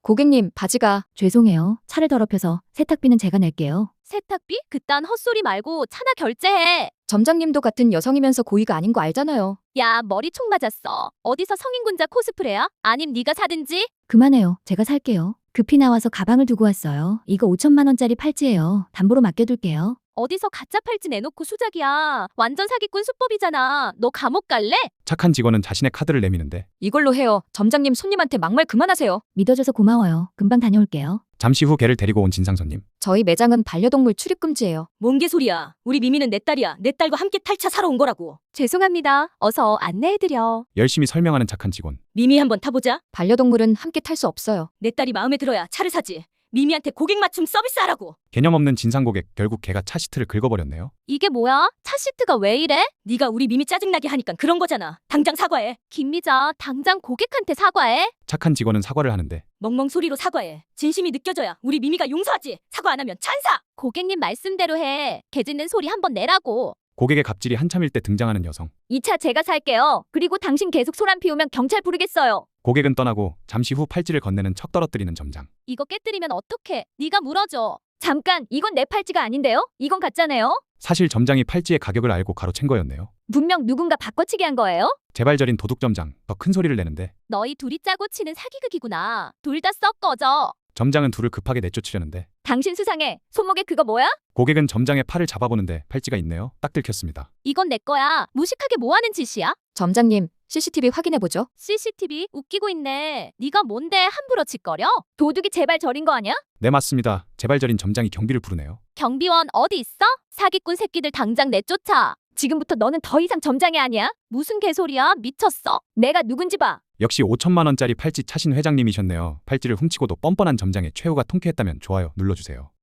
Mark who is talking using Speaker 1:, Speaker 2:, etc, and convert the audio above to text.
Speaker 1: 고객님, 바지가.
Speaker 2: 죄송해요. 차를 더럽혀서 세탁비는 제가 낼게요.
Speaker 3: 세탁비? 그딴 헛소리 말고 차나 결제해.
Speaker 1: 점장님도 같은 여성이면서 고의가 아닌 거 알잖아요.
Speaker 3: 야, 머리 총 맞았어. 어디서 성인군자 코스프레야? 아님 네가 사든지?
Speaker 2: 그만해요. 제가 살게요. 급히 나와서 가방을 두고 왔어요. 이거 5천만 원짜리 팔찌예요. 담보로 맡겨둘게요.
Speaker 3: 어디서 가짜 팔찌 내놓고 수작이야. 완전 사기꾼 수법이잖아. 너 감옥 갈래?
Speaker 4: 착한 직원은 자신의 카드를 내미는데
Speaker 1: 이걸로 해요. 점장님 손님한테 막말 그만하세요.
Speaker 2: 믿어줘서 고마워요. 금방 다녀올게요.
Speaker 4: 잠시 후 개를 데리고 온 진상 손님.
Speaker 1: 저희 매장은 반려동물 출입 금지예요.
Speaker 5: 뭔 개소리야. 우리 미미는 내 딸이야. 내 딸과 함께 탈차 사러 온 거라고.
Speaker 3: 죄송합니다. 어서 안내해드려.
Speaker 4: 열심히 설명하는 착한 직원.
Speaker 5: 미미 한번 타보자.
Speaker 1: 반려동물은 함께 탈 수 없어요.
Speaker 5: 내 딸이 마음에 들어야 차를 사지. 미미한테 고객 맞춤 서비스하라고.
Speaker 4: 개념 없는 진상 고객. 결국 개가 차 시트를 긁어버렸네요.
Speaker 3: 이게 뭐야? 차 시트가 왜 이래?
Speaker 5: 네가 우리 미미 짜증나게 하니까 그런 거잖아. 당장 사과해.
Speaker 3: 김미자, 당장 고객한테 사과해.
Speaker 4: 착한 직원은 사과를 하는데
Speaker 5: 멍멍 소리로 사과해. 진심이 느껴져야 우리 미미가 용서하지. 사과 안 하면 찬사.
Speaker 3: 고객님 말씀대로 해. 개 짖는 소리 한번 내라고.
Speaker 4: 고객의 갑질이 한참일 때 등장하는 여성.
Speaker 3: 이 차 제가 살게요. 그리고 당신 계속 소란 피우면 경찰 부르겠어요.
Speaker 4: 고객은 떠나고 잠시 후 팔찌를 건네는 척 떨어뜨리는 점장.
Speaker 3: 이거 깨뜨리면 어떡해? 네가 물어줘. 잠깐, 이건 내 팔찌가 아닌데요? 이건 가짜네요?
Speaker 4: 사실 점장이 팔찌의 가격을 알고 가로챈 거였네요.
Speaker 3: 분명 누군가 바꿔치기 한 거예요?
Speaker 4: 재발절인 도둑 점장. 더 큰 소리를 내는데
Speaker 3: 너희 둘이 짜고 치는 사기극이구나. 둘 다 썩 꺼져.
Speaker 4: 점장은 둘을 급하게 내쫓으려는데
Speaker 3: 당신 수상해. 손목에 그거 뭐야?
Speaker 4: 고객은 점장의 팔을 잡아보는데 팔찌가 있네요. 딱 들켰습니다.
Speaker 3: 이건 내 거야. 무식하게 뭐 하는 짓이야?
Speaker 1: 점장님, CCTV 확인해보죠.
Speaker 3: CCTV 웃기고 있네. 네가 뭔데 함부로 짓거려? 도둑이 제발 저린 거 아니야?
Speaker 4: 네 맞습니다. 재발절인 점장이 경비를 부르네요.
Speaker 3: 경비원 어디 있어? 사기꾼 새끼들 당장 내쫓아. 지금부터 너는 더 이상 점장이 아니야? 무슨 개소리야? 미쳤어. 내가 누군지 봐.
Speaker 4: 역시 5천만 원짜리 팔찌 차신 회장님이셨네요. 팔찌를 훔치고도 뻔뻔한 점장의 최후가 통쾌했다면 좋아요 눌러주세요.